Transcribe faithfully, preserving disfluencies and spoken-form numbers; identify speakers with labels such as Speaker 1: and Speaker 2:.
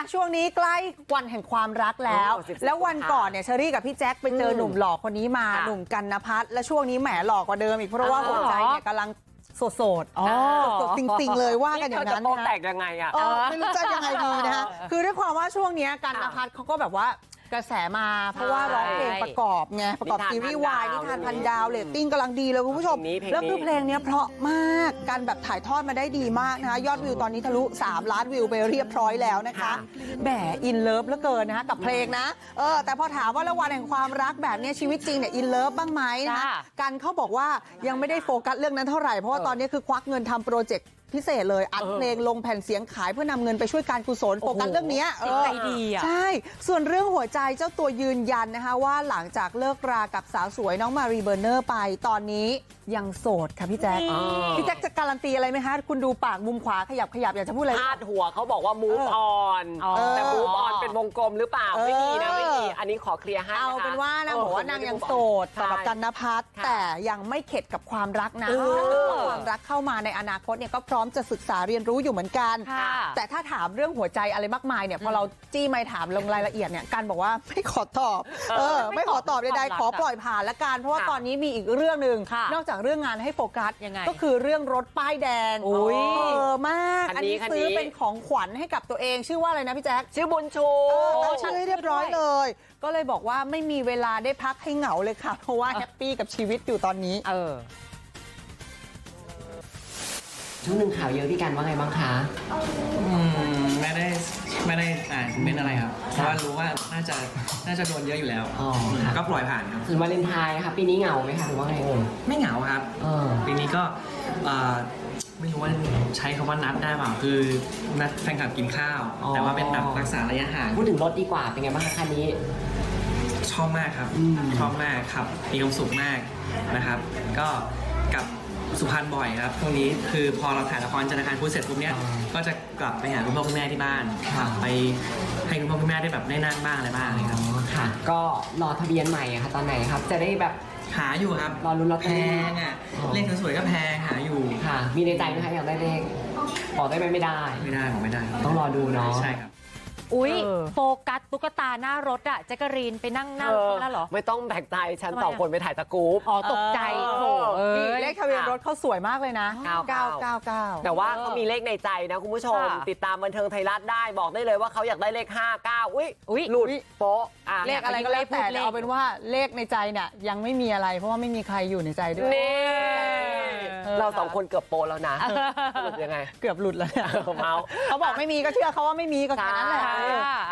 Speaker 1: ช่วงนี้ใกล้วันแห่งความรักแล้วแล้ววันก่อนเนี่ยเชอรี่กับพี่แจ็คไปเจอหนุ่มหล่อคนนี้มาหนุ่มกันนภัทรและช่วงนี้แหมหล่อกว่าเดิมอีกเพราะว่าหัวใจเนี่ยกำลังโสดโสดสดจริงๆเลยว่ากันอย่างนั้นนะ
Speaker 2: แตกยังไงอ่ะ
Speaker 1: ไม่รู้จะยังไงดีนะคะคือด้วยความว่าช่วงนี้กันนภัทรเขาก็แบบว่ากระแสมาเพราะว่าร้องเพลงประกอบไงประกอบซีรีส์วายนิทานพันดาวเรตติ้งกำลังดีเลยคุณผู้ชมแล้วคือเพลงนี้เพราะมากการแบบถ่ายทอดมาได้ดีมากนะคะยอดวิวตอนนี้ทะลุสามล้านวิวไปเรียบร้อยแล้วนะคะแหมอินเลิฟเหลือเกินนะคะกับเพลงนะเออแต่พอถามว่าแล้ววันแห่งความรักแบบนี้ชีวิตจริงเนี่ยอินเลิฟบ้างไหมนะคะกันเขาบอกว่ายังไม่ได้โฟกัสเรื่องนั้นเท่าไหร่เพราะว่าตอนนี้คือควักเงินทำโปรเจกต์พิเศษเลยอัดเพลงลงแผ่นเสียงขายเพื่อนำเงินไปช่วยการกุศลโฟกัสเรื่องนี้
Speaker 3: ใจดีอ่ะ
Speaker 1: ใช่ส่วนเรื่องหัวใจเจ้าตัวยืนยันนะคะว่าหลังจากเลิกรากับสาวสวยน้องมารีเบอร์เนอร์ไปตอนนี้ยังโสดค่ะพี่แจ๊คพี่แจ๊คจะการันตีอะไรไหมคะคุณดูปากมุมขวาขยับขยับอยากจะพูดอะไร
Speaker 2: พาดหัวเขาบอกว่า move on แต่ move on เป็นวงกลมหรือเปล่าไม่มีนะไม่มีอันนี้ขอเคลียร์ให้
Speaker 1: เอาเป็นว่านางบอกว่านางยังโสดสำหรับกันนภัทรแต่ยังไม่เข็ดกับความรักนะความรักเข้ามาในอนาคตเนี่ยก็พร้อมจะศึกษาเรียนรู้อยู่เหมือนกันแต่ถ้าถามเรื่องหัวใจอะไรมากมายเนี่ยพอเราจี้ไม่ถามลงรายละเอียดเนี่ยกันบอกว่าไม่ขอตอบเออไม่ขอตอบใดๆขอปล่อยผ่านละกันเพราะว่าตอนนี้มีอีกเรื่องหนึ่งนอกจากเรื่องงานให้โฟกัสก็คือเรื่องรถป้ายแดงเออมากอันนี้ซื้อเป็นของขวัญให้กับตัวเองชื่อว่าอะไรนะพี่แจ๊ค
Speaker 2: ชื่อบุญชู
Speaker 1: ตั้งชื่อให้เรียบร้อยเลยก็เลยบอกว่าไม่มีเวลาได้พักให้เหงาเลยค่ะเพราะว่าแฮปปี้กับชีวิตอยู่ตอนนี้
Speaker 3: เออ
Speaker 2: ช่วงหนึ่งข่าวเยอะพี่กันว่าไงบ้างคะ
Speaker 4: อืมไม่ได้ไม่ได้อ่านคอมเมนต์อะไรครับเพราะว่ารู้ว่าน่าจะน่าจะโดนเยอะอยู่แล้วก็ปล่อยผ่านครับ
Speaker 2: ถึงวาเลนไทน์ค่ะปีนี้เหงาไหมคะหรือว่าไงเอ่ย
Speaker 4: ไม่เหงาครับปีนี้ก็ไม่รู้ว่าใช้คำว่านัดได้เปล่าคือนัดแฟนคลับกินข้าวแต่ว่าเป็นแบบรักษาระยะห่าง
Speaker 2: พูดถึงรถดีกว่าเป็นไงบ้างคะคันนี้
Speaker 4: ชอบมากครับชอบมากครับมีความสุขมากนะครับก็กับสุพรรณบ่อยครับตรงนี้คือพอเราถ่ายละครจันทร์คารพุธเสร็จปุ๊บเนี้ยก็จะกลับไปหาคุณพ่อคุณแม่ที่บ้านไปให้คุณพ่อคุณแม่ได้แบบได้นั่งบ้างอะไรบ้างเลยครับ
Speaker 2: ค่ะก็รอทะเบียนใหม่ค่ะตอนไหนครับจะได้แบบ
Speaker 4: หาอยู่ครับ
Speaker 2: รอรุ้นรถ
Speaker 4: แพงอ่ะเลขสวยๆก็แพงหาอยู่
Speaker 2: ค่ะมีในใจไหมคะอยากได้เลขบอกได้ไหมไม่ได้
Speaker 4: ไม่ได้บอกไม่ได้
Speaker 2: ต้องรอดูเนาะ
Speaker 4: ใช่ครับ
Speaker 3: อุ้ยโฟกัสตุ๊กตาหน้ารถอะแจ๊กกะรีนไปนั่งนั่งแล้วเหรอ
Speaker 2: ไม่ต้องแบกใจฉันสองคนไปถ่ายตะกู๊ป
Speaker 3: อ๋อตกใจโอ้
Speaker 1: นี่เลขทะเบียนรถเขาสวยมากเลยนะ
Speaker 2: เก้าเก้าเก้าเก้าแต่ว่าเขามีเลขในใจนะคุณผู้ชมติดตามบันเทิงไทยรัฐได้บอกได้เลยว่าเขาอยากได้เลขห้าเก้าอุ้ยอุ้ยหลุดโป๊ะ
Speaker 1: เลขอะไรก็แล้วแต่เอาเป็นว่าเลขในใจเนี่ยยังไม่มีอะไรเพราะว่าไม่มีใครอยู่ในใจด้วย
Speaker 2: เราสองคนเกือบโป๊ะแล้วนะหลุดยังไง
Speaker 1: เกือบหลุดแล้วเนี่ย
Speaker 2: เมา
Speaker 1: เขาบอกไม่มีก็เชื่อเขาว่าไม่มีก็แค่นั้นแหละ